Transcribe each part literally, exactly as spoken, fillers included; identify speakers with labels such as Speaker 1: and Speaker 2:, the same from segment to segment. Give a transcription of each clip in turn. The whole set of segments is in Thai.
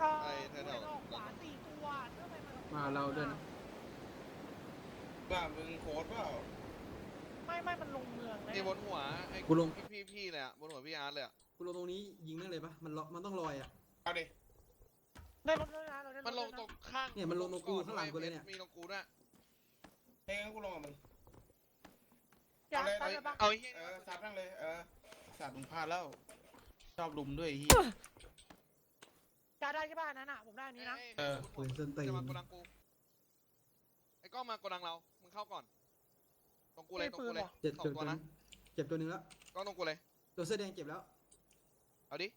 Speaker 1: ออ
Speaker 2: ไอ้แถ
Speaker 1: เดิ
Speaker 2: วน
Speaker 1: ออกขวาสี่ตัวทำไมมัน
Speaker 3: มาเราด้วยนะ
Speaker 4: ว่ามึงโค้ดเปล่า
Speaker 1: ไม่ไม่มันลงเมือง
Speaker 2: ๆ
Speaker 1: นะ
Speaker 2: ไอ้บนหัวไอ้
Speaker 3: กูลง
Speaker 2: พี่พี่พี่เลยอะบนหัวพี่อาร์ตเลยอะ
Speaker 3: กูลงตรงนี้ยิงแม่งเลยปะมันล็อกมันต้องลอยอ่ะ
Speaker 4: เอาดิ
Speaker 1: ได้รถด้วยนะเราได้รถ
Speaker 2: มันลง
Speaker 1: ด้วยะ
Speaker 2: ตรงข้าง
Speaker 3: เนี่ยมันลงตรงกูข้างหลังกูเลยเนี่ย
Speaker 2: มีตรงกูด้วย
Speaker 4: เฮ้ยงั้นกูลงกับมึง
Speaker 1: อยาก
Speaker 4: เอาเลย
Speaker 1: ไปเลยปะ
Speaker 2: เอาไอ้เหี้ย
Speaker 4: เออสัตว์นั่งเลยเออสัตว์มึงพลาดแล้วชอบลุมด้วยไอ้เฮีย
Speaker 1: อยากได้ใช่ป่ะอันนั้นอ่ะผมได้อันนี้นะ
Speaker 4: เออ
Speaker 3: ปืนส้นตีน
Speaker 2: จะมาโกดังกูไอ้กล้องมาโกดังเรามึงเข้าก่อนตรงกูเลยตรงกูเลย
Speaker 3: เจ็บ
Speaker 2: สอ
Speaker 3: เจ็บ
Speaker 2: ง
Speaker 3: ตั
Speaker 2: ตัว ว
Speaker 3: นึ
Speaker 2: นะ
Speaker 3: งเจ็บตัวหนึงแล้ว
Speaker 2: กล้องตรงกูเลย
Speaker 3: ตัวเสื้อแดงเจ็บแล้ว
Speaker 2: เอาดิ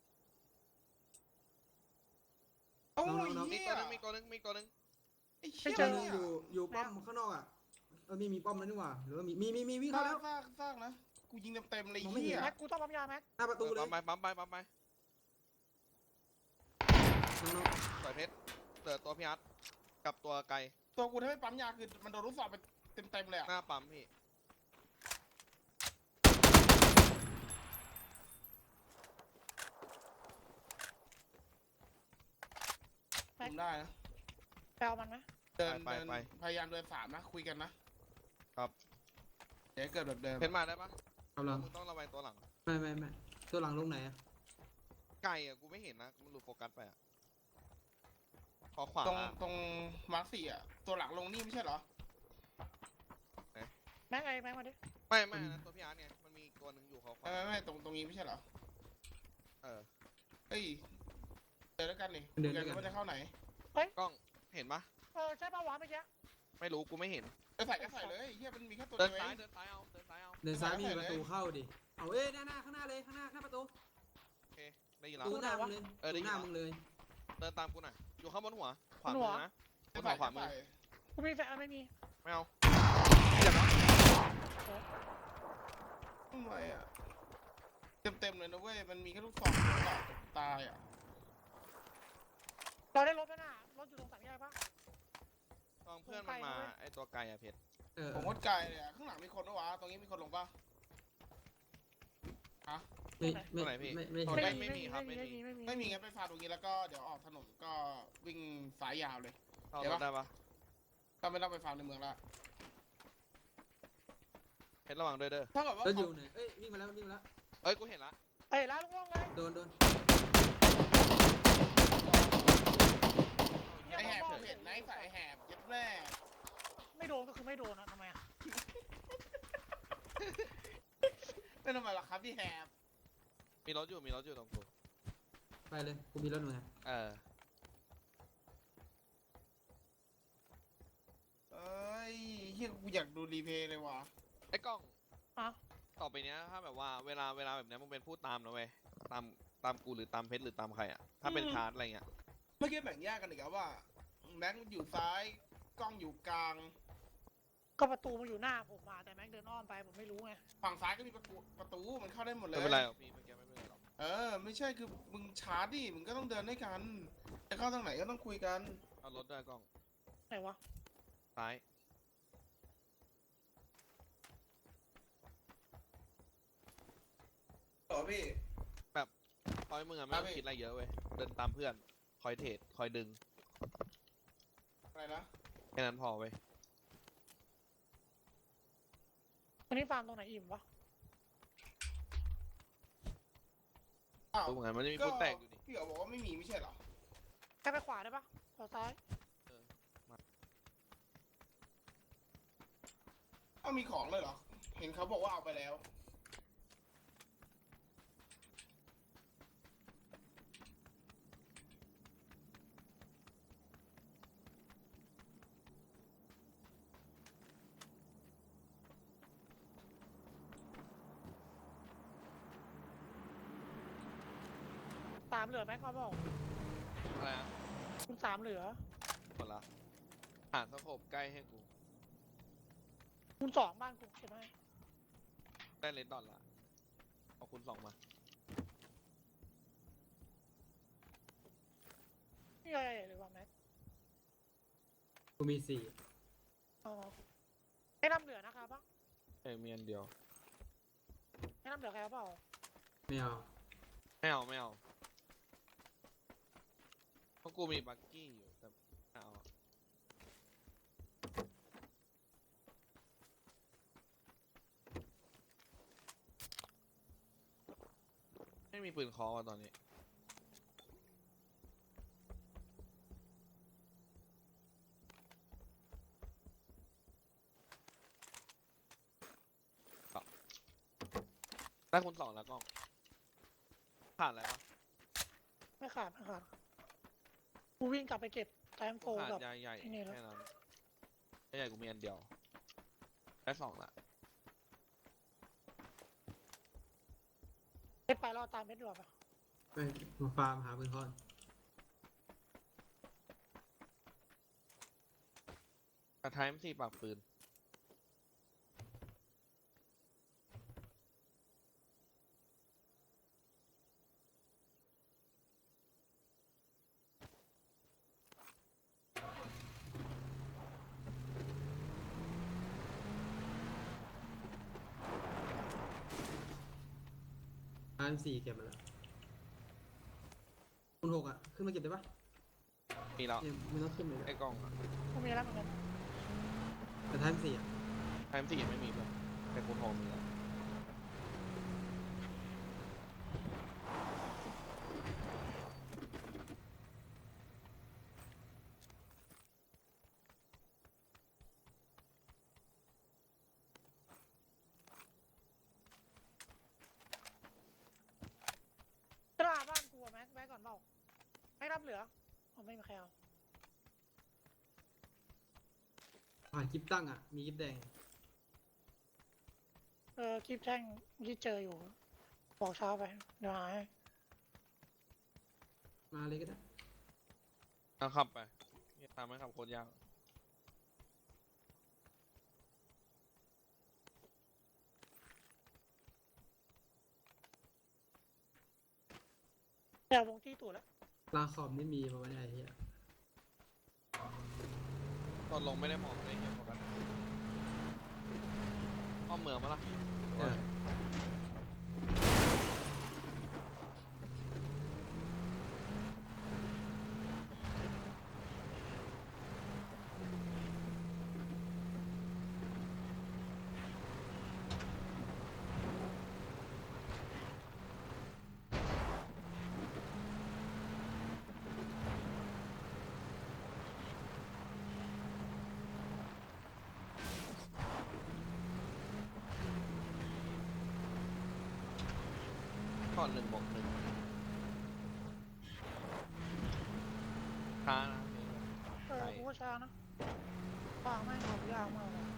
Speaker 4: โอ้ย
Speaker 3: น้องๆ
Speaker 2: มี
Speaker 4: เฮี
Speaker 2: ตัวย นึงมีตัวนึงมีตัวนึง
Speaker 4: ไอ้เชี่ย
Speaker 3: ตัวหนึงอยู่อยู่ป้อมข้างนอกอ่ะเออมีมีป้อมแล้วนี่หว่าหรือว่ามีมีมีมีวิ่ง
Speaker 4: ซา
Speaker 3: เข้าก แล้ว
Speaker 4: ซากซากนะกูยิงเต็มๆเลย
Speaker 3: มองไม่
Speaker 4: เฮี
Speaker 3: เห็
Speaker 4: ย
Speaker 3: น
Speaker 1: แม็กกูต้องปั๊มยาแม็ก
Speaker 3: หน้าประตูเลย
Speaker 2: ปั๊มไปปั๊มไปปั๊มไป
Speaker 3: น้อง
Speaker 2: สวยเพชรเจอตัวพี่อาร์ตกับตัวไกล
Speaker 4: ตัวกูถ้าไม่ปั๊มยาคือมันโดนลูกศรไปเต็มๆเลยอ่ะ
Speaker 2: หน้าปั๊มพี่
Speaker 4: คุมได้นะ
Speaker 1: แปลมันไหม
Speaker 4: เดินเดินพยายามเดินสามนะคุยกันนะครับ เดี๋ยวเกิดแบบเดิม
Speaker 2: เพชรมาได้ปะ
Speaker 3: ๆกำลัง
Speaker 2: มึงต้องระวังตัวหลัง
Speaker 3: ไม่ไม่ไม่ตัวหลังลงไหนอ่ะ
Speaker 2: ไกลอ่ะกูไม่เห็นนะมันหลุดโฟกัสไปอ่ะขอขวา
Speaker 4: ตรงตรงมาร์คสี่อ่ะตัวหลังลงนี่ไม่ใช่เหรอ
Speaker 1: แม็กไอ้แม็กมาดิ
Speaker 2: ไม่ไม่นะตัวพี่อาร์ตไงมันมีอีกตัวหนึ่งอยู่ขอขวา
Speaker 4: ไม่ไม่ไม่ตรงตรงนี้ไม่ใช่เหรอ
Speaker 2: เออ
Speaker 4: เฮ้ยเดินด้วยกันนี่คุยกันว่าจะเข้าไหน
Speaker 2: กล้องเห็นปะ
Speaker 1: เออใช่ป่ะวะเมื่อกี้
Speaker 2: ไม่รู้กูไม่เห็น
Speaker 4: จะใส่ก็ใส่เลยเฮียมันมีแค่ตัว
Speaker 2: เดิ
Speaker 4: เดี
Speaker 2: น
Speaker 4: ยวเอ
Speaker 2: ซ้าย
Speaker 4: ง
Speaker 2: เดินซ้ายเอาเดินซ้ายเอา
Speaker 3: เดินซ้ายไมมีประตูเข้าดิเอาเอ้ยหน้าหน้าข้างหน้าเลยข้างหน้าหน้าประตู
Speaker 2: โอเคได้ยิน
Speaker 3: ป
Speaker 2: แล้
Speaker 3: ระ
Speaker 2: ว
Speaker 3: ตูหน้ามึงเลย
Speaker 2: เออได้
Speaker 3: ประตู
Speaker 2: ยิน
Speaker 3: หน้ามึงเลย
Speaker 2: เดินตามกูหน่อยอยู่ข้างบนหัวขวามือนะบ
Speaker 4: จะ
Speaker 2: น
Speaker 4: ใส่
Speaker 2: หัวขวามือ
Speaker 1: กูมีแฟนไม่มี
Speaker 2: ไม่เอาอย่ามา
Speaker 4: ทำไมอ่ะเต็มเต็มเลยนะเว้ยมันมีแค่ลูกศรเดียวอะตายอ่ะ
Speaker 1: เราได้รถแล้วน่ะรถอยู่ตรงสามแยกปะ
Speaker 2: ตอนเพื่อนมันมาไอตัวไกลอะเพชร
Speaker 3: เออ
Speaker 4: ผมว่าไกลเลยอ่ะข้างหลังมีคนปะวะตรงนี้มีคนลงปะฮะ
Speaker 3: ไม่ไม่ไม่ไม่
Speaker 2: ตอน
Speaker 3: เห็น
Speaker 2: แรกไม่มีครับไม่
Speaker 1: ไม่
Speaker 2: มี
Speaker 1: มีไม่มี
Speaker 4: ไม่มีงั้นไปฟาตรงนี้แล้วก็เดี๋ยวออกถนนก็วิ่งสายยาวเลย
Speaker 2: เอารถได้ปะ
Speaker 4: ก็ไม่ต้องไปฟาร์มในเมืองละ
Speaker 2: เพชรระวังด้วยเด้อ
Speaker 4: ถ้าเกิดว่า
Speaker 3: แล้วอ
Speaker 4: เขา
Speaker 3: ยู่ไหนเอ้ยวิ่งมาแล้ววิ่งมาแล้ว
Speaker 2: เอ้ยกูเห็นละ
Speaker 1: เอ้ยแล้วลงเลย
Speaker 3: โดนโดน
Speaker 4: ไอแหบผมเห็นนะไอ้สายแหบยัดแม่
Speaker 1: ไม่โดนก็คือไม่โดนนะทำไมอ่ะ
Speaker 4: เป็นทำไมล่ะครับพี่แหบ
Speaker 2: มีรถอยู่มีรถอยู่ตรงกู
Speaker 3: ไปเลยกูมีรถหนึ่ง
Speaker 2: เออ
Speaker 4: เอ้ยเฮียกูอยากดูรีเพย์เลยว่ะ
Speaker 2: ไอ้กล้อง
Speaker 1: อ่ะ
Speaker 2: ต่อไปเนี้ยถ้าแบบว่าเวลาเวลาแบบเนี้ยมึงเป็นผู้ตามนะเว้ยตามตามกูหรือตามเพชรหรือตามใครอะถ้าเป็นชาร์จอะไรเงี้ย
Speaker 4: เมื่อกี้แบ่งแยกกันอีกแล้วว่าแม็กอยู่ซ้ายกล้องอยู่กลาง
Speaker 1: ก็ประตูมันอยู่หน้าผมมาแต่แม็กเดินอ้อมไปผมไม่รู้ไง
Speaker 4: ฝั่งซ้ายก็มีประตูประตูมันเข้าได้หมดเล
Speaker 2: ไม่
Speaker 4: ย
Speaker 2: เป็นไรหรอกพี่เมื่อกี้ไม่เป็นไรหรอก
Speaker 4: เออไม่ใช่คือมึงชาร์จดิมึงก็ต้องเดินด้วยกันจะเข้าทางไหนก็ต้องคุยกัน
Speaker 2: เอารถด้วยกล้อง
Speaker 1: ไหนวะ
Speaker 2: ซ้าย
Speaker 4: ต่อพี่
Speaker 2: คอยมึงอะไม่ต้องคิดอะไรเยอะเว้ยเดินตามเพื่อนคอยเทรดคอยดึง
Speaker 4: อะไรนะ
Speaker 2: แค่นั้นพอเว้ย
Speaker 1: วันนี้ฟาร์มตรงไหนอิ่มวะ
Speaker 4: อ้าว
Speaker 2: รู้เหมือนกันมันจะมี
Speaker 4: ก็
Speaker 2: ผู้แตกอยู่ดิ
Speaker 4: พี่เอ๋บอกว่าไม่มีไม่ใช่เหรอ
Speaker 1: แค่ไปขวาได้ปะขวาซ้าย
Speaker 4: เอ้ามีของเลยเหรอเห็นเขาบอกว่าเอาไปแล้ว
Speaker 1: สามเหลือแม็กเขาบอก
Speaker 2: อะไรนะ
Speaker 1: คุณสามเหลือ
Speaker 2: หมดละหาสโคปใกล้ให้กู
Speaker 1: คุณสองบ้านกูเขียนให้
Speaker 2: ได้เลนดอทละเอาคุณสองมา
Speaker 1: นี่อะไรหรือว่าแม็ก
Speaker 3: กูมีสี่
Speaker 1: อ๋อไอ้น้ำเหลือนะครับปะ
Speaker 2: เอ้ยมีอันเดียว
Speaker 1: ไอ้น้ำเหลือใครเอาเปล่า
Speaker 3: ไม่เอา
Speaker 2: ไม่เอาไม่เอาเพราะกูมีบักกี้อยู่แต่ไม่เอาอะไม่มีปืนเคอว่ะตอนนี้ได้คุณสองแล้วกล้องผ่านอะไรวะ
Speaker 1: ไม่ขาดไม่ขาดกูวิ่งกลับไปเก็บแตงโก
Speaker 2: ขาด
Speaker 1: กับ
Speaker 2: ยาใหญ่
Speaker 1: ไอ้นี่แล้ว
Speaker 2: แค่นั้นยาใหญ่กูมีอันเดียวได้สองละ
Speaker 1: เม็ดไปรอตามเม็ดดีกว่าปะ
Speaker 3: ไปมาฟาร์มหาปืนคอน
Speaker 2: กระท้ายมันสี่ปากปืน
Speaker 3: อาร์มสี่เก็บมาแล้วคุณหกอ่ะขึ้นมาเก็บได้ปะ
Speaker 2: มีแล้ว
Speaker 3: เนี่ยมันต้องขึ้นเลย
Speaker 2: ไอ้กล้องอะ
Speaker 1: กูมีแล้วเหมือนกัน
Speaker 3: แต่ท้ายสี่อ่ะ
Speaker 2: ไทม์สี่ยังไม่มีเลยแต่กูโทรมีแล้ว
Speaker 1: ตลาดบ้านกูอะแม็กแม็กก่อนเปล่าไม่รับเหลือผมไม่มีใครเอา
Speaker 3: ผ่านคลิปตั้งอ่ะมีคลิปแดง
Speaker 1: เออคลิปแท่งที่เจออยู่บอกเช้าไปเดี๋ยวหาย
Speaker 3: มาเลยก็ได้
Speaker 2: เอาขับไปนี่ตามไม่ขับโคตรยาก
Speaker 1: เดี๋ยววงที่ตู่แล้ว
Speaker 3: ลาขอบนี่มีมาวันไหนเฮีย
Speaker 2: ตอนลงไม่ได้มองเลยเหี้ยโฟกัสอ้อมเมืองมาละ
Speaker 3: เออ
Speaker 2: ก่อนหนึ่งบวกหนึ่งช้านะ
Speaker 1: เออกูก็ช้านะฟางไม่งขับยากมากเลย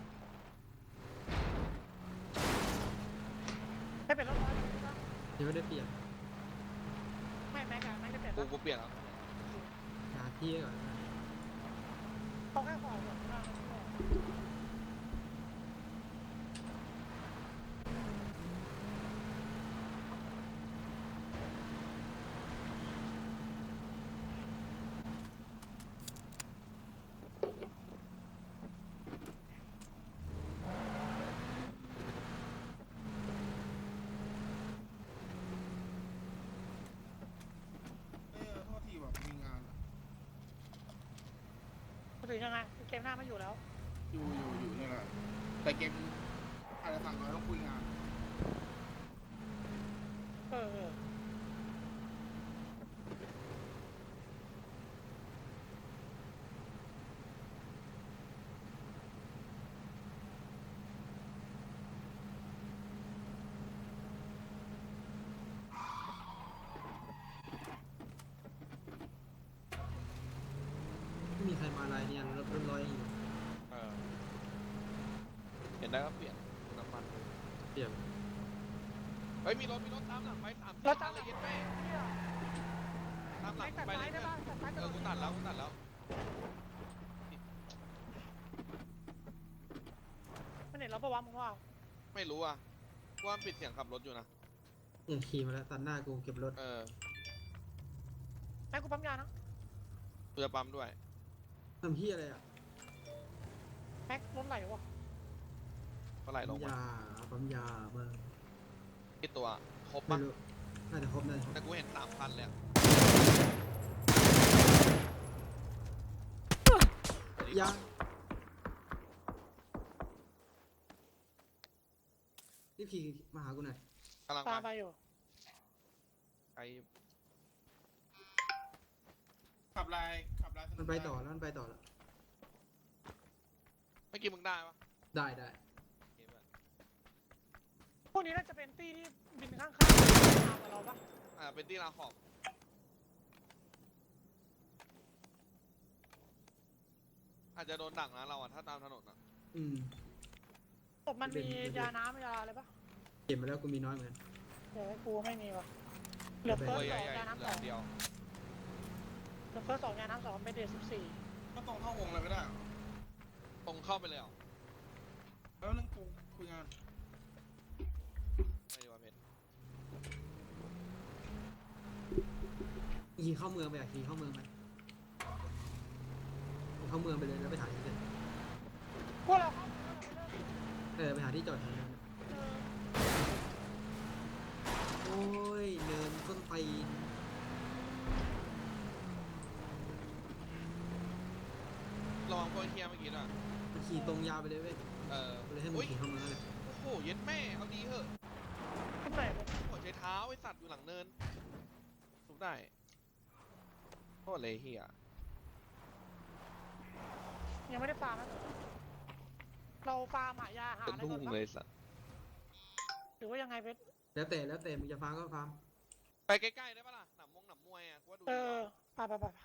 Speaker 1: ไม่เป็นรถร้อยเลยนะ
Speaker 3: ยังไม่ได้เปลี่ยน
Speaker 1: ไม่แม็กอะแม็กจะเปลี่ยน
Speaker 2: กู
Speaker 1: ปะ
Speaker 2: กูเปลี่ยนแล้ว
Speaker 3: หาที่ก่อนนะ
Speaker 1: เขาแค่ขอแบบหน้าไม่ได้
Speaker 4: เออโทษทีแบบมีงานอะ
Speaker 1: พูดถึงยังไงเกมหน้าไม่อยู่แล้ว
Speaker 4: อยู่อยู่อยู่เนี่ยแหละแต่เกมอะไรสั่งน้อยต้องคุยงาน
Speaker 1: เออเออ
Speaker 3: ไม่มีใครมาอะไรเนี่ยรถรถร้อยอยู่
Speaker 2: เออเห็นได้ก็เปลี่ยนน้ำมัน
Speaker 3: เปลี่ยน
Speaker 2: เฮ้ยมีรถมีรถตามหลังไปสาม
Speaker 1: เรา
Speaker 2: ตาม
Speaker 1: จำ
Speaker 2: ละ
Speaker 1: หลั
Speaker 2: เอีย
Speaker 1: ง
Speaker 2: ดไปตามหลั
Speaker 1: แม็
Speaker 2: ง
Speaker 1: กตัด
Speaker 2: ไป
Speaker 1: ซ้า
Speaker 2: เลย ย
Speaker 1: ได้
Speaker 2: เพื่อน
Speaker 1: ป่ะตัดซ้าย
Speaker 2: เออกูตัดแล้วกูตัดแล้ว
Speaker 1: มันเห็นเราปะวะมึงว่า
Speaker 2: ไม่รู้อ่ะว่ามันปิดเสียงขับรถอยู่นะ
Speaker 3: เนี่ยขี่มาแล้วตัดหน้ากูเก็บรถ
Speaker 2: เออ
Speaker 1: แม็กกูปั๊มยานะ
Speaker 2: เพื่อปั๊มด้วย
Speaker 3: ทำที่อะไรอ่ะ
Speaker 1: แม็กรถไหลวะ
Speaker 2: ก็ไหลล
Speaker 3: ปั๊
Speaker 2: ง
Speaker 3: ม
Speaker 2: มาย
Speaker 3: าปั๊มยามา
Speaker 2: ที่ตัวครบ
Speaker 3: ไม่
Speaker 2: ปะ
Speaker 3: รู้น่าจะครบน่าจะครบ
Speaker 2: แต่กูเห็นสามพันเลยอะดิ
Speaker 3: ยังรีบขี่มาหากูหน่อย
Speaker 2: กำลัง
Speaker 1: ตาม
Speaker 2: ไป
Speaker 1: ไปอยู่
Speaker 2: ไกล
Speaker 4: ขับลายขับลาย
Speaker 3: มันไปต่อแล้วมันไปต่อแล้ว
Speaker 2: เมื่อกี้มึงได้ปะ
Speaker 3: ได้ได้
Speaker 2: โอเคเพื่อน
Speaker 1: พวกนี้น่าจะเป็นตี้ที่บินข้างๆตามกับเราปะ
Speaker 2: อ่าเป็นที่ราขอบอาจจะโดนดักนะเราอะถ้าตามถนนอะ
Speaker 3: อืม
Speaker 1: ศพมันมียาน้ำยาอะไรปะ
Speaker 3: เก็บมาแล้วกูมีน้อยเหมือนกัน
Speaker 1: เดี๋ยวกูไม่มีวะเหลือ
Speaker 3: ไม่
Speaker 1: เฟิ
Speaker 2: ตั
Speaker 1: ร์
Speaker 2: ว
Speaker 1: ส
Speaker 2: ให
Speaker 1: ส
Speaker 2: ญ่
Speaker 1: อง
Speaker 2: ๆ
Speaker 1: ยาน้ำ
Speaker 2: เห
Speaker 1: ส
Speaker 2: ลื
Speaker 1: อ
Speaker 2: อง เดียว
Speaker 1: เหลือเฟิร์สสองยาน้ำสองเป็นเดทสิบสี่
Speaker 4: ก็ตรงเข้าวงเลยไม่ได้
Speaker 2: ตรงเข้าไปเลยเหรอ
Speaker 4: แล้วนึงกูคุยงาน
Speaker 2: ไม่ดีว่าเพชร
Speaker 3: ขี่เข้าเมืองไปอะขี่เข้าเมืองไปเข้าเมืองไปเลยแล้วไปถ่ายที่เดิม
Speaker 1: พวกเราเข้า
Speaker 3: เออไปหาที่จอดที่เดิม
Speaker 1: เออ
Speaker 3: โอ้ยเนินต้นตีน
Speaker 2: ระวังพวกไอ้เฮียเมื่อกี้น่ะ
Speaker 3: มันขี่ตรงยาวไปเลยเว้ย
Speaker 2: เออ
Speaker 3: ก็เลยให้มึ
Speaker 2: อุ้
Speaker 3: ง
Speaker 2: ย
Speaker 3: ขี่เข้าเมืองนั่นแหละ
Speaker 2: โอ้โหเย็ดแม่เอาดีเหอะ
Speaker 1: ขึ้นไหนวะ
Speaker 2: หัวใช้เท้าไอ้สัตว์อยู่หลังเนินทุบได้โคตรเลยเฮีย
Speaker 1: ยังไม่ได้ฟาร์มนะเราฟาร์มหายาหา
Speaker 2: เป็น
Speaker 1: อะไร
Speaker 2: ทุ่
Speaker 1: ก่อน
Speaker 2: ง
Speaker 1: ปะ
Speaker 2: เลยสัตว์
Speaker 1: หรือว่ายังไงเพชร
Speaker 3: แล้วแต่แล้วแต่มึงจะฟาร์มก็ฟาร์ม
Speaker 2: ไปใกล้ๆได้ปะล่ะหนำมงหนำมวยอ่ะกูว่าดู
Speaker 1: เอ
Speaker 2: ดีก
Speaker 1: อ
Speaker 2: ว่า
Speaker 1: ไปไปไปไป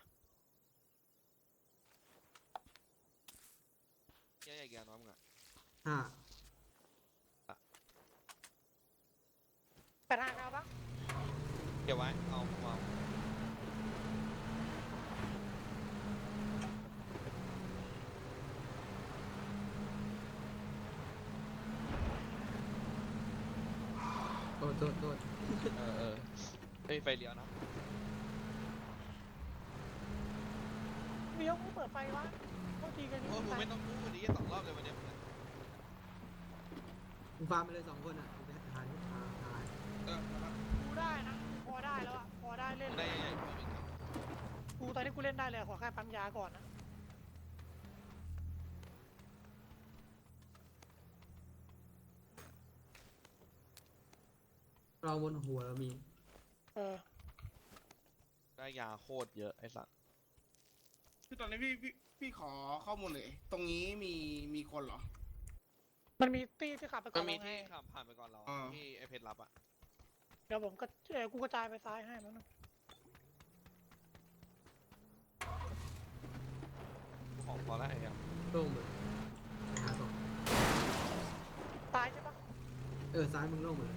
Speaker 2: เฮียใหญ่แกน้องมึงอ่ะ
Speaker 3: ห้า
Speaker 1: แต่ทางเราปะ
Speaker 2: เก็บไว้เอาเอา
Speaker 3: โทษโทษโทษ
Speaker 2: เออเออไม่มีไฟเลี้ยวนะ
Speaker 1: เลี้ยวกูเปิดไฟวะโทษทีกันนี่
Speaker 2: โอ้มึง
Speaker 1: ไป
Speaker 2: ไม่ต้องพูดวันนี้สองรอบเลยวันเนี้ย
Speaker 3: มึงฟาร์มไปเลยสองคนอ่ะกูไปหาที่หาหา
Speaker 4: เออนะครับ
Speaker 1: กูได้นะพอได้แล้วอะพอได้เล่น
Speaker 2: มึง
Speaker 1: เล
Speaker 2: ได้
Speaker 1: ย
Speaker 2: ใหญ่ๆตัวหนึ่งอะ
Speaker 1: กูตอนนี้กูเล่นได้เลยขอแค่ปั๊มยาก่อนนะ
Speaker 3: เราบนหัวเรามี
Speaker 1: เออ
Speaker 2: ได้ยาโคตรเยอะไอ้สัตว์
Speaker 4: คือตอนนี้พี่พี่พี่ขอข้อมูลเลย ตรงนี้มีมีคนเหรอ
Speaker 1: มันมีตี้ที่ขับไปก่
Speaker 2: มั
Speaker 1: อน น
Speaker 2: มี
Speaker 1: เราไง
Speaker 2: ที่ขับผ่านไปก่อนเรา
Speaker 4: อ่า
Speaker 2: ที่ไอเพชรรับอ่ะ
Speaker 1: เดี๋ยวผมก็เออกูกระจายไปซ้ายให้มันง
Speaker 2: ของพอแล้วไอ้เหี้ย
Speaker 3: โล่งเลยไปหาสอง
Speaker 1: ซ้ายใช่ปะ
Speaker 3: เออซ้ายมึงโล่งหมดเลย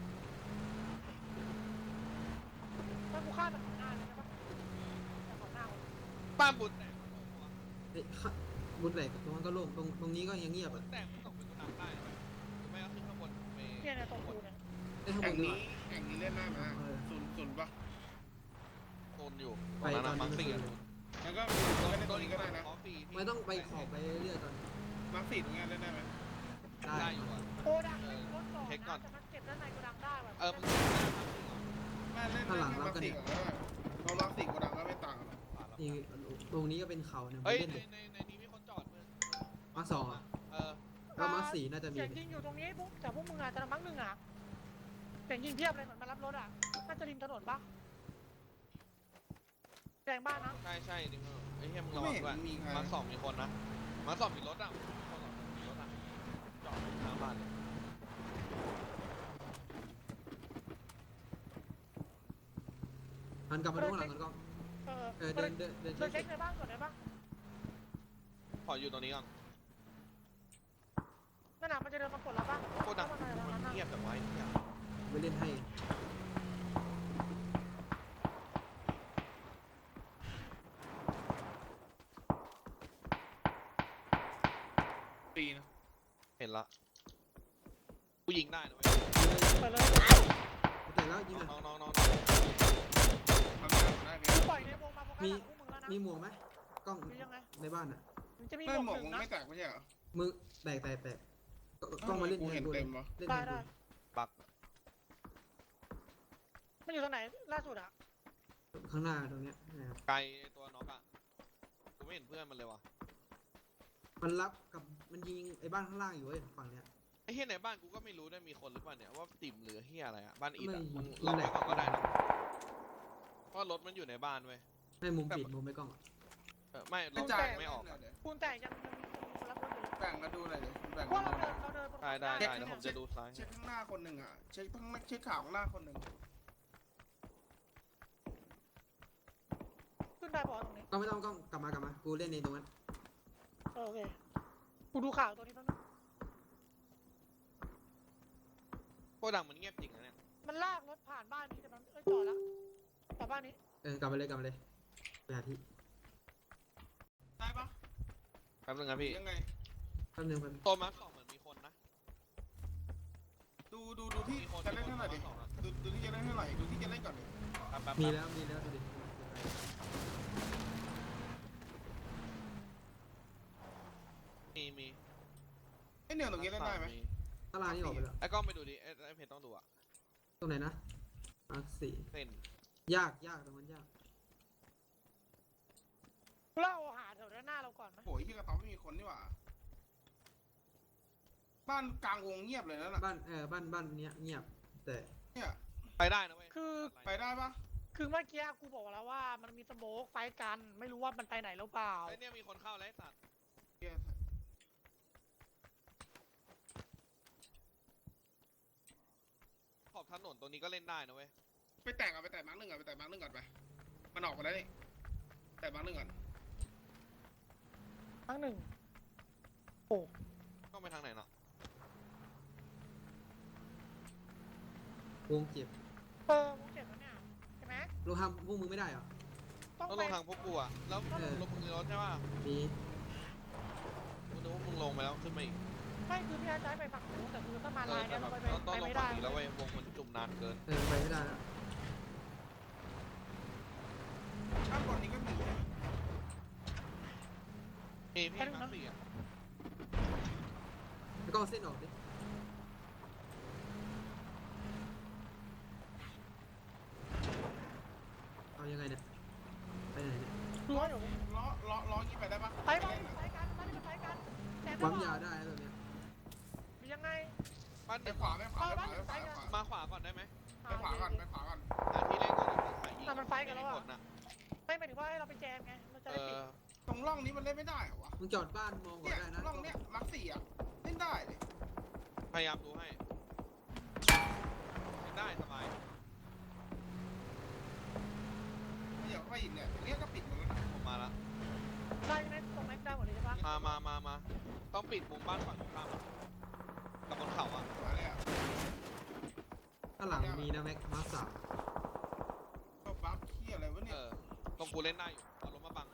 Speaker 1: ถ้ากูฆ่าจากของหน้าเลยใช่ปะจากของหน้าผม
Speaker 2: บ้านบุญแตก
Speaker 3: เฮ้ยข้าบุญแหลกตรงนั้นก็โล่งตรงตรงนี้ก็ยังเงียบ
Speaker 2: บุ
Speaker 3: อ่ะ
Speaker 2: ญแตกมันตกเป็นกูนำได้ไหมหรือไม่ก็ขึ้นข้างบนไป
Speaker 1: เนี่ยเนี่ยตรงกูเนี่ย
Speaker 3: ไอ้ยข้างบ
Speaker 4: แข่ง
Speaker 3: นดีก
Speaker 4: นี้
Speaker 3: ว่า
Speaker 4: แข่งนี้เล่นได้ไหม
Speaker 3: เออ
Speaker 4: ศูนย์ศูนย์ปะ
Speaker 2: โซนอยู่
Speaker 3: ไป
Speaker 2: ตอนนั้น
Speaker 3: ตอนนี้
Speaker 2: มังสี่อ่ะ
Speaker 4: แล้วก็เล่นตรงนี้ก็ได้นะ
Speaker 2: ขอฟรีที่
Speaker 3: ไม่ต้องไปขอบไปเรื่อยๆตอน
Speaker 4: มาร์คสี่ตรงนี้เล่นได้ไหม
Speaker 3: ได้
Speaker 2: ได้อยู่อ่ะ
Speaker 1: โกดังไม่มีรถก่อน
Speaker 2: เช็คก่อ
Speaker 1: นะ
Speaker 2: น
Speaker 1: แต่มันเก็บด้านในโกดังได้ว่ะ
Speaker 2: เออมึง
Speaker 4: แม่เล่นเล่นมาร์คสี่ก่อนก็ได้เพราะมาร์คสี่กูดังก็ไม่ต่างกันหรอก
Speaker 3: นี่ตรงนี้ก็เป็นเขาเนี่ย
Speaker 2: เฮ้ย
Speaker 3: เล่น
Speaker 2: ใน
Speaker 3: เลย
Speaker 2: ในในนี้มีคนจอดมึง
Speaker 3: มาสองอ่ะ
Speaker 2: เออ
Speaker 3: แล้วมาสี่น่าจะมี
Speaker 1: เสียงยิงอยู่ตรงนี้พวกแต่พวกมึงอาจจะมักหนึ่งอ่ะเสียงยิงเพียบเลยเหมือนมารับรถอ่ะน่าจะริมถนนปะแรงบ้านนะ
Speaker 2: ใช่ใช่ดิมึงไอ้เหี้ยมึงระ
Speaker 4: ไม่
Speaker 2: วัง
Speaker 4: เห็น
Speaker 2: ด้วย
Speaker 4: มีใคร
Speaker 2: มาสองมีคนนะมาสองมีรถอ่ะมีคนสองมีรถอ่ะจอดอยู่ข้างบ้านเลย
Speaker 3: หันกลับมาดูข้างหลังกันกล้อง
Speaker 1: เออ
Speaker 3: เออเดินเดินเดิน
Speaker 1: เดิน
Speaker 3: เช็
Speaker 1: เช็
Speaker 3: ค
Speaker 1: คในบ้านก่อนได้ปะ
Speaker 2: ขออยู่ตรงนี้ก่อน
Speaker 1: นั่นน่ะมันจะเดินมาปลดเราปะ
Speaker 2: โคตรดัง
Speaker 1: เข้ามาในร้าน
Speaker 2: มัน
Speaker 1: น่ะ
Speaker 2: เงียบแต่ไว้เงียบ
Speaker 3: ไปเล่นให้
Speaker 4: ปีนะ
Speaker 2: เห็นละกูยิงได้นะเว้ย
Speaker 1: เปิดเลย
Speaker 3: แต่แล้วยิงอ่ะ
Speaker 2: น้องน้องน้อง
Speaker 4: ทำงานได้ไหม
Speaker 1: กูปล่อยในวงมาโฟกัสหลังพวกมึงแล้วนะ
Speaker 3: มีหมวกไหมกล้อง
Speaker 1: มียังไง
Speaker 3: ในบ้านอ่ะ
Speaker 1: มันจะมี
Speaker 4: ไม่
Speaker 1: ห
Speaker 4: ห
Speaker 1: ม
Speaker 4: ม
Speaker 1: ว
Speaker 4: ว
Speaker 1: ก
Speaker 4: ก
Speaker 1: ห
Speaker 4: มึ
Speaker 1: นึ่
Speaker 4: ง
Speaker 1: งนะ
Speaker 4: ไม่แตกไม่ใช่เหรอ
Speaker 3: มือแตกแตกแตกกล้องมาเล่น
Speaker 4: กู
Speaker 3: แท
Speaker 4: เห็
Speaker 3: น
Speaker 4: น
Speaker 3: กูเล
Speaker 4: เต็
Speaker 3: ย
Speaker 4: มวะ
Speaker 3: เล่น
Speaker 1: ได้
Speaker 3: แทน
Speaker 1: ได้
Speaker 3: กู
Speaker 2: ปัก
Speaker 1: มันอยู่ตรงไหนล่าสุดอ่ะ
Speaker 3: ข้างหน้าตรงเนี้ยนะครับ
Speaker 2: ไกลตัวน็อกอ่ะกูไม่เห็นเพื่อนมันเลยว่ะ
Speaker 3: มันรับกับมันยิงไอ้บ้านข้างล่างอยู่เว้ยฝั่งเนี้ย
Speaker 2: ไอ้เฮียในบ้านกูก็ไม่รู้ด้วยมีคนหรือเปล่าเนี่ยว่าติ่มหรือเฮียอะไรอะบ้านอิดอะ
Speaker 3: ไม่
Speaker 2: มึง
Speaker 3: นั่
Speaker 2: ล็อน ก
Speaker 3: แห
Speaker 2: ไว้
Speaker 3: ละ
Speaker 2: ก่อนก็ได้นะเพราะรถมันอยู่ในบ้านเว้ย
Speaker 3: ไม่มุมปิดมุมไม่กล้องอะ
Speaker 2: เออไม่ร
Speaker 4: กระ
Speaker 2: ถ
Speaker 4: จาย
Speaker 2: ไม่ออก
Speaker 4: เล่นหน่ยดิ
Speaker 1: ปูนแตกยังยังมีคนรับรถอยู่เลย
Speaker 4: แบ่งมาดูหน่อยดิแบ่ง
Speaker 1: เพราะ
Speaker 4: มา
Speaker 1: เรา
Speaker 4: ดูห
Speaker 1: เดิ
Speaker 4: น่อน ย
Speaker 1: เราเดินบน
Speaker 2: ได้ได้
Speaker 1: เขา
Speaker 2: ได้
Speaker 1: ได้
Speaker 2: เดี๋ยวผมจะดูซ้าย
Speaker 4: เช็คข้างหน้าคนหนึ่งอ่ะเช็คข้างเช็คข่าวข้างหน้าคนหนึ่ง
Speaker 1: ขึ้นได้ปะวะตรงนี้
Speaker 3: ก็ไม่ต้องกล้องกลับมากลับมากูเล่นในตรงนั้น
Speaker 1: เออโอเคกูดูข่าวตัวนี้แป๊บนึง
Speaker 2: โคดังมันเงียบจริงนะเนี่ย
Speaker 1: มันลากรถผ่านบ้านนี้แต่มันเอ้ยจอดแล้วจอดบ้านนี้
Speaker 3: เออกลับมาเลยกลับมาเลยไปหาที่
Speaker 4: ได้ปะ
Speaker 2: แป๊บนึงครับพี่
Speaker 4: ยังไง
Speaker 3: แป๊บนึงแป๊บนึง
Speaker 2: ตัวมาร์คสองเหมือนมีคนนะ
Speaker 4: ดูดูดูที่
Speaker 2: มีคน
Speaker 4: จะเล่นเท่าไหร่ดิ
Speaker 2: มีคนมาร์คสองนะ
Speaker 4: ดูดูที่จะเล่นเท่าไหร่ดูที่จะเล่นก่อนดิ
Speaker 2: แป๊บแป๊บ
Speaker 3: มี
Speaker 2: แป๊บ
Speaker 3: แล้วมีแล้วดูดิ
Speaker 2: มีมี
Speaker 4: ไอเนี่ยตรงนี้เล่นได้ไหม
Speaker 3: ตารางนี่ออกไปแล้ว
Speaker 2: ไอ้กล้องไปดูดิไอ้ไอ้เพจต้องดูอะ
Speaker 3: ตรงไหนนะมาร์คสี่
Speaker 2: เส้น
Speaker 3: ยากยากตรงนั้นยาก
Speaker 1: เราหาแถวด้านหน้าเราก่อนไหม
Speaker 4: โอ้ยที่กระต๊อบไม่มีคนนี่หว่าบ้านกลางวงเงียบเลยนั่นน่ะ
Speaker 3: บ้านเออบ้านบ้านเนี้ยเงียบแต่
Speaker 4: เนี่ย
Speaker 2: ไปได้นะเว้ย
Speaker 1: คือ
Speaker 4: ไปได้ปะ
Speaker 1: คือเมื่อกี้กูบอกแล้วว่ามันมีสโมกไฟกัน ไม่รู้ว่ามันไปไหนหรือเปล่า
Speaker 2: ไอ้เนี่ยมีคนเข้าแล้วไอ้สัตว์
Speaker 4: เหี้ย
Speaker 2: ขอบถนนตรงนี้ก็เล่นได้นะเว้ย
Speaker 4: ไปแตกอ่ะไปแตกมาร์กหนึ่งก่อนไปแตกมาร์กหนึ่งก่อนไปมันออกมาแล้วนี่แตกมาร์กหนึ่งก่อน
Speaker 1: ครั้งหนึ่ง
Speaker 2: ต้องไปทางไหนเนาะ
Speaker 3: วงเจ็บ
Speaker 1: เออมึงเจ็บแล้วเนี่ยใช่ไหม
Speaker 3: ลงทำพวกมึงไม่ได้เหรอ
Speaker 1: ต้อง
Speaker 2: ต้อง
Speaker 1: ไป
Speaker 2: ลงทางพวกกูอะแล้ว
Speaker 3: เออ
Speaker 2: ลงมึงในรถใช่ป่ะ
Speaker 3: มี
Speaker 2: กูนึกว่ามึงลงไปแล้วขึ้นมาอีก
Speaker 1: ไม่คือพี่อาจจะให้ไปฝั่งนู้นแต่คือถ้ามา
Speaker 2: เอ
Speaker 1: ลา
Speaker 2: อย แต่
Speaker 1: เนี่ย
Speaker 2: แบ
Speaker 1: เรา
Speaker 2: บ
Speaker 1: ไปไป
Speaker 2: เราต้องลง
Speaker 1: ไม่
Speaker 2: ฝั่
Speaker 1: ได้
Speaker 2: งนี้แล้วเว้ยวงมันจุ่มนานเกิน
Speaker 3: เออไปไม่ได้แล้ว
Speaker 4: ข้างบนนี้ก็มีนะ
Speaker 2: มีพี่มาร์คสี่อะ
Speaker 3: แล้วก็เอาเส้นออกดิเอายังไงเนี่ยไปไหนเนี่ย
Speaker 1: ดูว่าเดี๋ยว
Speaker 4: ล้อล้อล้อยี่ไปได้ปะ
Speaker 1: ไปไปไปกันไปไปกันแต่
Speaker 3: ปั๊มยาได้แล้วตัวเนี้ย
Speaker 1: มียังไง
Speaker 2: บ้านห
Speaker 4: ไป
Speaker 2: นึ่ง
Speaker 4: ขวาไปขวาไปขวาไปขวาไปขวา
Speaker 2: มาขวาก่อนได้ไหม
Speaker 4: ไปขวาก่อนไปขวาก่อน
Speaker 2: หาที่เล่นก่อนแล้วขายยิง
Speaker 1: แต่มันไฟกันแล้ว
Speaker 2: ม่
Speaker 1: อ่ะ
Speaker 2: มีผลนะ
Speaker 1: ไม่หมายถึงว่าให้เราไปแจมไงเราจะ
Speaker 2: เอ
Speaker 1: ได้ปิด
Speaker 2: อ
Speaker 4: ตรงร่องนี้มันเล่นไม่ได้เหรอวะ
Speaker 3: มึงจอดบ้านมองก่อน
Speaker 4: เนี่ย
Speaker 3: ได้นะ
Speaker 4: ร่องเนี้ยมาร์คสี่อ่ะเล่นได้เลย
Speaker 2: พยายามดูให้เล่นได้สบาย
Speaker 4: เดี๋ยวไปอีกเนี่ยตรงเนี้ยก็ปิดหมดแล้วนะ
Speaker 2: ผมมาแล้ว
Speaker 1: ได้ไหมตรงแม็กได้หมดเลยใช่ปะ
Speaker 2: มามามามาต้องปิดมุมบ้านฝั่งตรงข้ามอะกับบนเขาอ่ะ
Speaker 4: มาเลยอ่ะ
Speaker 3: ข้างหลังมีนะแม็กมาร์คสาม
Speaker 4: ก็บัฟเคียอะไรวะ
Speaker 2: เอ
Speaker 4: เนี่ย
Speaker 2: อตรงกูเล่นได้อยู่เอาลงมาบัง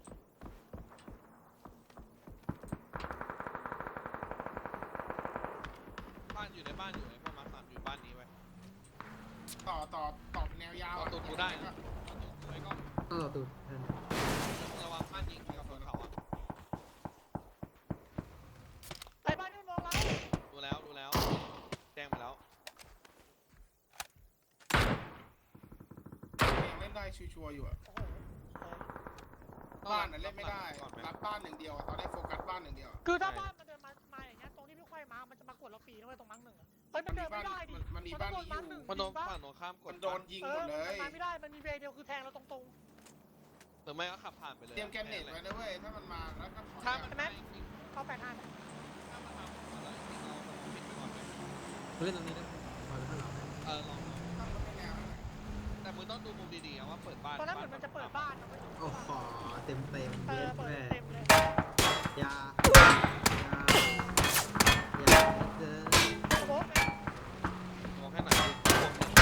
Speaker 2: บ้านอยู่ในบ้านอยู่ในพวกมาร์คสามอยู่บ้านนี้ไว้ย
Speaker 4: ต่อต่อต่อเป็นแนวยาว
Speaker 2: เอา
Speaker 4: อ่ะ
Speaker 2: ตูดกูได้นะเอาตูดกูไว้ก็
Speaker 3: ต้องเอาตูดเออ
Speaker 2: ระวังบ้านยิงกับบนเขาอ่ะ
Speaker 1: ไปบ้านที่มองเรา
Speaker 2: ดูแล้วดูแล้วแจ้งไปแล้ว
Speaker 4: เล่นได้ชัวร์ๆอยู่อ่ะ
Speaker 1: โอ้โห
Speaker 4: บ้านน่ะเล่นไม่ได้
Speaker 2: ก่อนไหม
Speaker 4: รับบ้านหนึ่งเดียวอะตอนนี้โฟกัสบ้านหนึ่งเดียวอะ
Speaker 1: คือถ้าบ้านมันเดินมามาอย่างเงี้ยตรงที่พี่ค่อยมา มันจะมากดเราฟรีนะเว้ยตรงมั้งหนึ่งอะเฮ้ยมันเดินไม่ได้ดิ
Speaker 4: มันมี
Speaker 1: มัน
Speaker 4: บ้าน
Speaker 1: ต้องโดน
Speaker 4: นี้
Speaker 1: มั้งหนึ่ง
Speaker 4: อยู่
Speaker 2: มันโดน
Speaker 1: จริงปะ
Speaker 2: ฝั่งตรงข้ามก
Speaker 4: มั
Speaker 2: ด
Speaker 4: นโดนยิง
Speaker 1: เอ
Speaker 4: หม
Speaker 1: อ
Speaker 4: ดเลย
Speaker 1: มันมาไม่ได้ มันมีเวย์เดียวคือแทงเราตรง
Speaker 2: หรือไม่ก็ขับผ่านไปเลย
Speaker 4: เตรียมแกนเน็ตไว้นะเว้ยถ้ามันมาแล้วก็ถอย
Speaker 2: ถ้า
Speaker 4: อะ
Speaker 2: มันไม่จริง
Speaker 1: ๆเข้าแปดห้า
Speaker 2: ถ้ามันทำอะไรจริงเราปิดไปก่อนเลย
Speaker 3: มึงเล่นตรงนี้นะพอแล้วข้างหลัง
Speaker 2: เออลอง
Speaker 4: ถ้ามันไม่แนวนั่นแหละ
Speaker 2: แต่มึงต้องดูมุมดีๆอะว่าเปิดบ้าน
Speaker 1: ตอนนั้นเหมือนมันจะเปิดบ้านนะเว้ย
Speaker 3: โอ้โหเต็มเต็ม
Speaker 1: เอ
Speaker 3: เย็
Speaker 1: อ
Speaker 3: ด
Speaker 1: เปิด
Speaker 3: แม่
Speaker 1: เต็มเลย
Speaker 3: ยา ยา ยาเจอ
Speaker 1: สโมกไหม
Speaker 2: มองแค่ไหนดูพวกนี้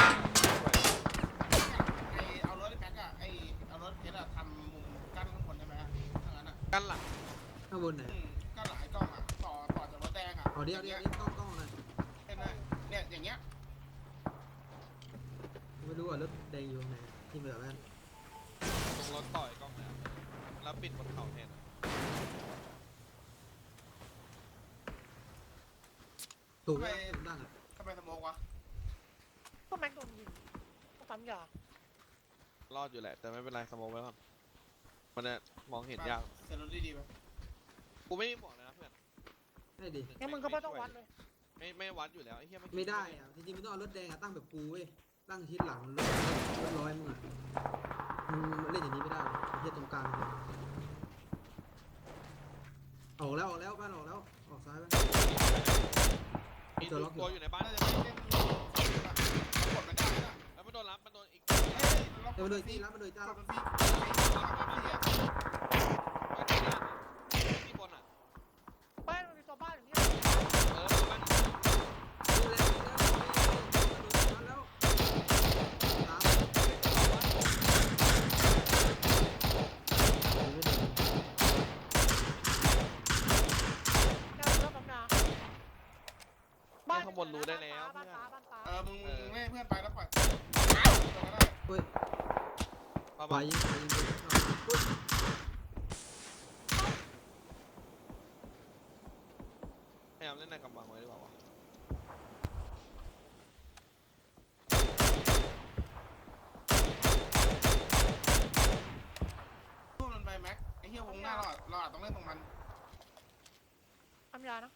Speaker 4: ไอเอารถไอ้แม็กอะไอเอารถเพชรอะทำมุมกั้นข้างบนได้ไหมอะถ้างั้นอะ
Speaker 2: กันหลัง
Speaker 3: ข้างบนไหน
Speaker 4: อืมก็หลายกล้องอะต่อต่อจากรถแดงอะ
Speaker 3: เอาเดี๋ยวเดี๋ยวเดี๋ยวกล้องกล้องหน่อย
Speaker 4: เห็นไหมเนี่ยอย่างเงี้ย
Speaker 3: ไม่รู้ว่ารถแดงอยู่ตรงไหนที่แบบนั้น
Speaker 2: ตรงรถต่อยกล้องแล้วแล้วปิดบนเขาแทน
Speaker 3: ถูกไหมดังอ่ะ
Speaker 4: ทำไมสโมกวะ
Speaker 1: ก็แม็กโดนยิงต้องปั๊มยาร
Speaker 2: อดอยู่แหละแต่ไม่เป็นไรสโมองไว้ก่อนมันจะมองเห็นยาก
Speaker 4: เสร็จรถดีๆไป
Speaker 2: กูกูไม่มีบอกเลยนะเพื่อน
Speaker 3: ได้ดิ
Speaker 1: งั้นมึงก็ไม่ต้องวัดเลย
Speaker 2: ไม่ไม่วัดอยู่แล้วไอ้เหี้ย
Speaker 3: ไม่ได้อ่ะจริงๆมันต้องเอารถแดงอ่ะตั้งแบบกูเว้ยตั้งชิดหลังรถรถร้อยมึงอ่ะมึงเล่นอย่างนี้ไม่ได้ไอ้เหี้ยตรงกลางออกแล้วออกแล้วบ้านออกแล้วออกซ้ายไป
Speaker 2: มีตัวตัวอยู่ในบ้าน
Speaker 4: น่าจะไม่เล่นกดมันได้นะ
Speaker 2: แล้วมันโดนรับมันโดนอีก
Speaker 4: เฮ้ยล็อก
Speaker 3: เดี๋ยว
Speaker 4: มั
Speaker 3: มัน นโด
Speaker 4: โด
Speaker 3: ย
Speaker 4: น
Speaker 3: ตี
Speaker 4: ตี
Speaker 3: รับมันโดยจ้า
Speaker 4: ล็อก
Speaker 3: รับ
Speaker 4: มันตี
Speaker 2: ที่บนอ่ะ
Speaker 1: บ้านมันมีตัวบ้านอย่างนี้
Speaker 2: เออบ้าน
Speaker 3: ดูแลดูแลแล้วตาม
Speaker 1: แนวเริ่มบางนาบ้าน
Speaker 2: ข้างบนรู้ได้แล้ว
Speaker 1: บ้า
Speaker 2: เพื่อน
Speaker 1: นฟ้าบ้านฟ้า
Speaker 4: เออมึงมึงไม่ให้เพื่อนไปแล้วปล่อย
Speaker 3: เฮ้ย
Speaker 2: ประ
Speaker 3: ไป
Speaker 2: มาณ
Speaker 3: ยิงไปยิงไปอุ้ย
Speaker 2: พยายามเล่นในกำบังไว้ดีกว่าวะ
Speaker 4: พวกมันไปแม็กไอ้เหี้ยวงหน้าเราอะเราอาจต้องเล่นตรงมัน
Speaker 1: ทำยานะ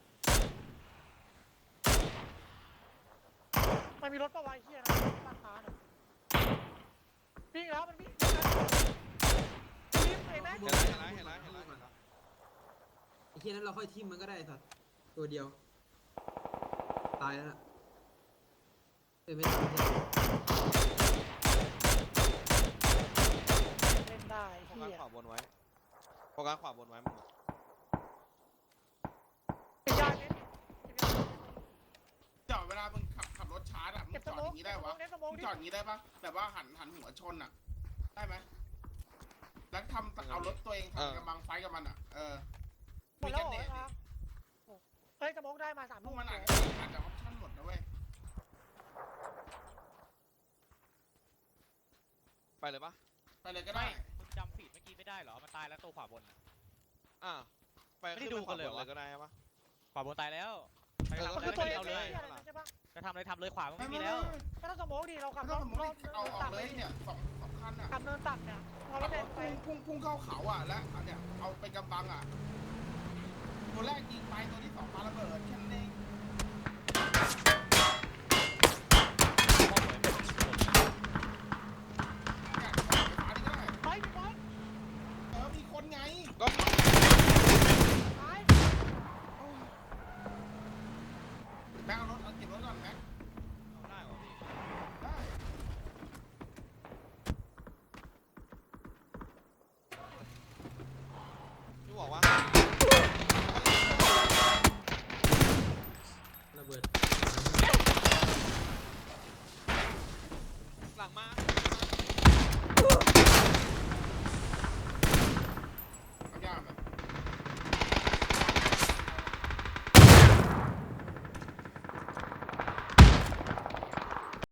Speaker 1: มันมีรถประวายเฮียนะบ้านฟ้าเนี่ยวิ่งแล้วมันวิ่งวิ่งไอ้แม็ก
Speaker 2: เห็นแล้วเห็นแล้วเห็นแล้วเห็นแล้วเห็นแล้ว
Speaker 3: ไอ้เหี้ยนั้นเราค่อยทิมมันก็ได้สัตว์ตัวเดียวตายแล้วน่ะเอ้ยไม่ตาย
Speaker 1: เล่นได้
Speaker 2: โฟ
Speaker 1: เฮี
Speaker 2: กัส
Speaker 1: ย
Speaker 2: ขวาบนไว้โฟกัสขวาบนไว้มึงอะ
Speaker 1: เก็บยาเน้น
Speaker 4: จอดเวลามึงขับขับรถชาร์จอะมึ
Speaker 1: เก็
Speaker 4: ง
Speaker 1: บ
Speaker 4: จ
Speaker 1: ส
Speaker 4: อด
Speaker 1: ม
Speaker 4: อ
Speaker 1: อง
Speaker 4: ย่างนี้ได้วะ
Speaker 1: เน้นสมอง
Speaker 4: มึง
Speaker 1: ดิ
Speaker 4: จอดอย่างนี้ได้ปะแบบว่าหันหันหัวชนอะได้ไหมแล้วทำเอารถตัวเองทำกำบังไฟกับมันอะเออ
Speaker 1: หมดแล้วเหรอครับเฮ้ยสมองได้มาสาม
Speaker 4: พ
Speaker 1: ลู
Speaker 4: วก
Speaker 1: ก
Speaker 4: มันอาจอาจจะออปชั่นหมดนะเว้ย
Speaker 2: ไปเลยปะ
Speaker 4: ไปเลยก็ได้
Speaker 5: มึงจำฟีดเมื่อกี้ไม่ได้เหรอ มันตายแล้วตัวขวาบนน่ะ
Speaker 2: อ่าไป
Speaker 5: ไม่ได้ดูกันเลยเหรอ
Speaker 2: ขึ้นไปขวาบนเลยก็ได้ปะ
Speaker 5: ขวาบนตายแล้วไป
Speaker 2: เออ
Speaker 5: ทำ
Speaker 1: มัน
Speaker 5: อะไร
Speaker 1: คือตัวเอ
Speaker 5: เอา
Speaker 1: ง
Speaker 5: เลย
Speaker 1: ใช่ปะ
Speaker 5: จะทำอะไรทำเลยขวามัน
Speaker 4: ไม่
Speaker 5: ไม่
Speaker 4: มี
Speaker 5: มี
Speaker 4: แล้
Speaker 5: แล้ว ว
Speaker 1: ไม่ต้องสมองดิเราขับ
Speaker 4: ไม่
Speaker 1: ร
Speaker 4: ต้อง
Speaker 1: ถ
Speaker 4: สมม
Speaker 1: ร
Speaker 4: ติ
Speaker 1: ถ
Speaker 4: เอาออก
Speaker 1: ตัก
Speaker 4: เล
Speaker 1: เลย ย
Speaker 4: เนี่ยสองสองคันอะ
Speaker 1: ขับเนินตักเนี่ยพอร
Speaker 4: ขั
Speaker 1: ถ
Speaker 4: บ
Speaker 1: แด
Speaker 4: รง ถ
Speaker 1: ไป
Speaker 4: พุ่งพุ่งพุ่งเข้าเขาอะแล้วอันเนี่ยเอาไปกำบังอะตัวแรกยิงไปตัวที่สองปาระเบิดแค่นั้นเอง